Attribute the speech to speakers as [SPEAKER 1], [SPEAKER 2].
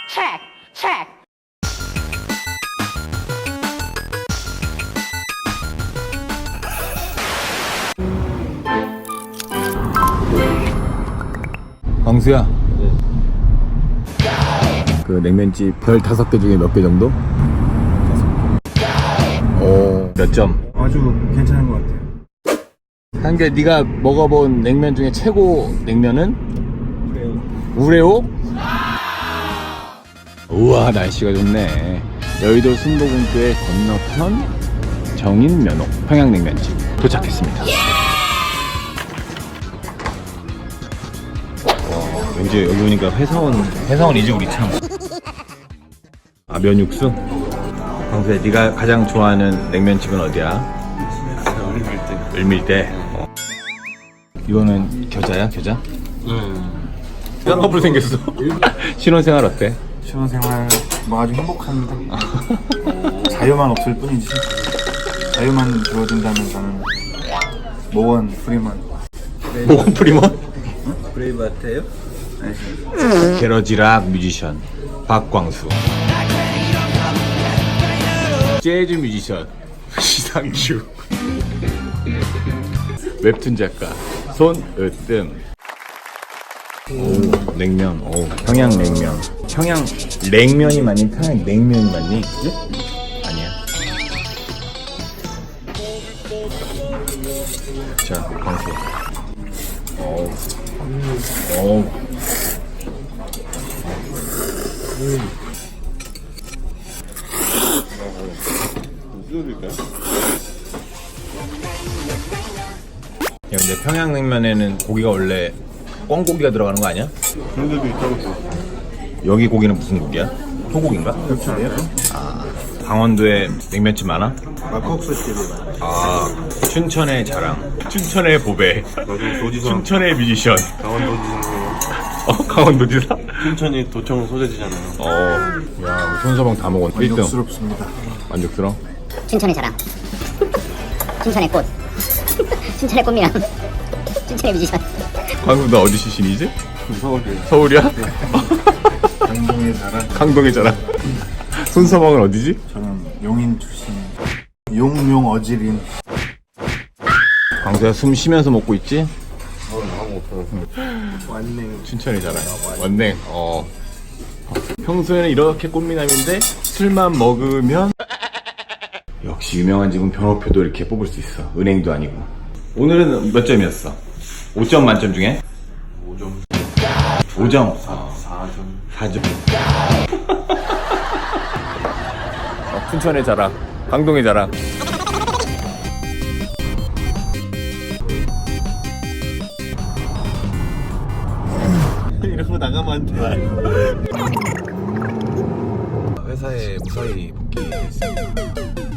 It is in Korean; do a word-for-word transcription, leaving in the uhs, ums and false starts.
[SPEAKER 1] check, check.
[SPEAKER 2] 광수야. 네. 그 냉면집 별 다섯 개 중에 몇 개 정도? 오, 몇 점?
[SPEAKER 3] 아주 괜찮은 것 같아요.
[SPEAKER 2] 한개 네가 먹어본 냉면 중에 최고 냉면은? 우레오. 우레오? 우와, 날씨가 좋네. 여의도 순복음교회 건너편 정인면옥 평양냉면집 도착했습니다. 와, 왠지 여기 오니까 회사원 회사원이지 우리 참. 아, 면육수? 광수야, 네가 가장 좋아하는 냉면집은 어디야? 을밀대. 을밀대. 어. 이거는 겨자야? 겨자?
[SPEAKER 3] 응.
[SPEAKER 2] 쌍꺼풀 생겼어. 신혼생활 어때?
[SPEAKER 3] 신혼생활 뭐 아주 행복합니다. 자유만 없을 뿐이지. 자유만 주어진다면 저는 모원 프리먼.
[SPEAKER 2] 모건 프리먼?
[SPEAKER 3] 브레이브하트예요? 네.
[SPEAKER 2] 게러지락 뮤지션 박광수, 재즈 뮤지션 시상규, 웹툰 작가 손으뜸. 오, 냉면. 오, 평양 냉면. 평양 냉면이 맞니? 평양 냉면이 맞니? 예? 아니야. 자, 광수. 오, 오. 야, 근데 평양냉면에는 고기가 원래 꿩고기가 들어가는 거 아니야?
[SPEAKER 3] 그런 데도 있다고.
[SPEAKER 2] 여기 고기는 무슨 고기야? 소고기인가?
[SPEAKER 3] 그렇지 않아요?
[SPEAKER 2] 아, 강원도에 냉면집 많아?
[SPEAKER 3] 막국수 집이 많아요.
[SPEAKER 2] 아, 춘천의 자랑, 춘천의 보배,
[SPEAKER 3] 도지사.
[SPEAKER 2] 춘천의 뮤지션.
[SPEAKER 3] 강원도지사.
[SPEAKER 2] 어, 강원도지사?
[SPEAKER 3] 춘천이 도청 소재지잖아요.
[SPEAKER 2] 어, 야, 우리 손서방 다 먹었네. 일 등.
[SPEAKER 3] 만족스럽습니다.
[SPEAKER 2] 만족스러워?
[SPEAKER 1] 춘천의 자랑. 춘천의 꽃. 춘천의 꽃미남. 춘천의 뮤지션.
[SPEAKER 2] 광수, 너 어디 출신이지?
[SPEAKER 3] 서울이에요.
[SPEAKER 2] 서울이야?
[SPEAKER 3] 강동의 자랑.
[SPEAKER 2] 강동의 자랑. 손서방은 어디지?
[SPEAKER 3] 저는 용인 출신. 용용 어지린.
[SPEAKER 2] 광수야, 숨 쉬면서 먹고 있지?
[SPEAKER 3] 완냉.
[SPEAKER 2] 춘천의 자랑. 원냉. 어. 평소에는 이렇게 꽃미남인데 술만 먹으면 역시 유명한 집은 변호표도 이렇게 뽑을 수 있어. 은행도 아니고. 오늘은 몇 점이었어? 오 점 만점 중에?
[SPEAKER 3] 오 점.
[SPEAKER 2] 오 점.
[SPEAKER 3] 사 점.
[SPEAKER 2] 사 점. 어, 춘천의 자랑. 강동의 자랑.
[SPEAKER 3] 이런 거 나가면 안 돼.
[SPEAKER 2] 회사에 무사히 복귀했습니다.